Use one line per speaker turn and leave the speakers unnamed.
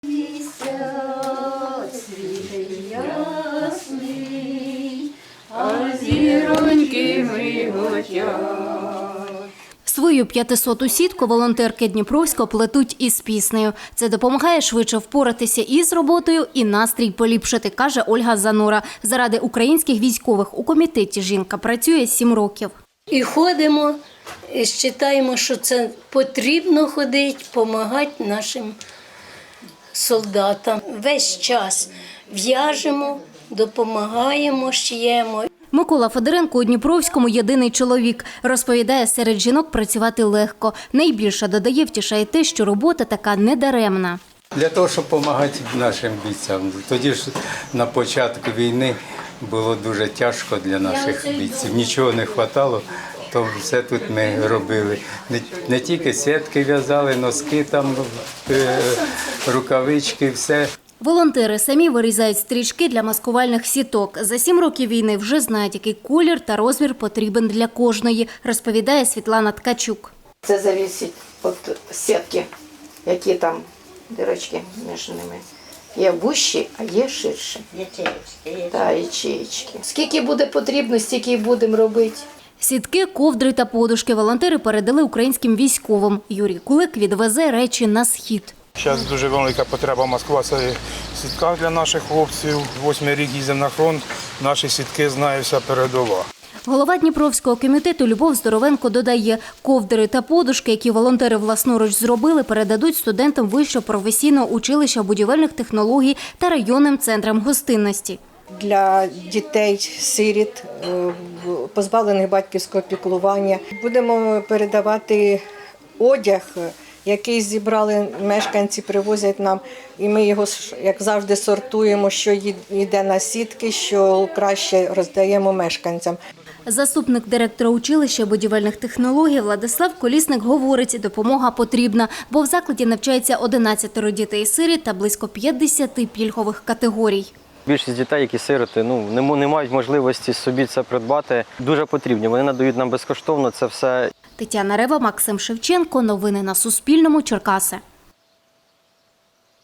Місяць світить ясний, а зіроньки миготять.
Свою 500-ту сітку волонтерки Дніпровського плетуть із піснею. Це допомагає швидше впоратися із роботою і настрій поліпшити, каже Ольга Занура. Заради українських військових у комітеті жінка працює 7 років.
І ходимо, і вважаємо, що це потрібно ходити, допомагати нашим солдатам. Весь час в'яжемо, допомагаємо, шиємо.
Микола Федоренко у Дніпровському єдиний чоловік. Розповідає, серед жінок працювати легко. Найбільше, додає, втішає те, що робота така недаремна.
Для того, щоб допомагати нашим бійцям. Тоді ж на початку війни було дуже тяжко для наших бійців. Нічого не вистачало, то все тут ми робили. Не тільки сітки в'язали, носки, там, рукавички, все.
Волонтери самі вирізають стрічки для маскувальних сіток. За 7 років війни вже знають, який колір та розмір потрібен для кожної, розповідає Світлана Ткачук.
Це залежить від сітки, які там дірочки між ними. Є вущі, а є ширші. Та ячеїчки. Скільки буде потрібно, стільки і будемо робити.
Сітки, ковдри та подушки волонтери передали українським військовим. Юрій Кулик відвезе речі на схід.
Зараз дуже велика потреба маскувати сітках для наших хлопців. 8-й рік їздимо на фронт, наші сітки знає вся передова.
Голова Дніпровського комітету Любов Здоровенко додає, ковдри та подушки, які волонтери власноруч зробили, передадуть студентам Вищого професійного училища будівельних технологій та районним центрам гостинності.
Для дітей-сиріт, позбавлених батьківського піклування. Будемо передавати одяг, який зібрали мешканці, привозять нам, і ми його, як завжди, сортуємо, що йде на сітки, що краще роздаємо мешканцям.
Заступник директора училища будівельних технологій Владислав Колісник говорить, допомога потрібна, бо в закладі навчається 11 дітей-сиріт та близько 50 пільгових категорій.
Більшість дітей, які сироти, не мають можливості собі це придбати, дуже потрібні. Вони надають нам безкоштовно це все.
Тетяна Рева, Максим Шевченко. Новини на Суспільному. Черкаси.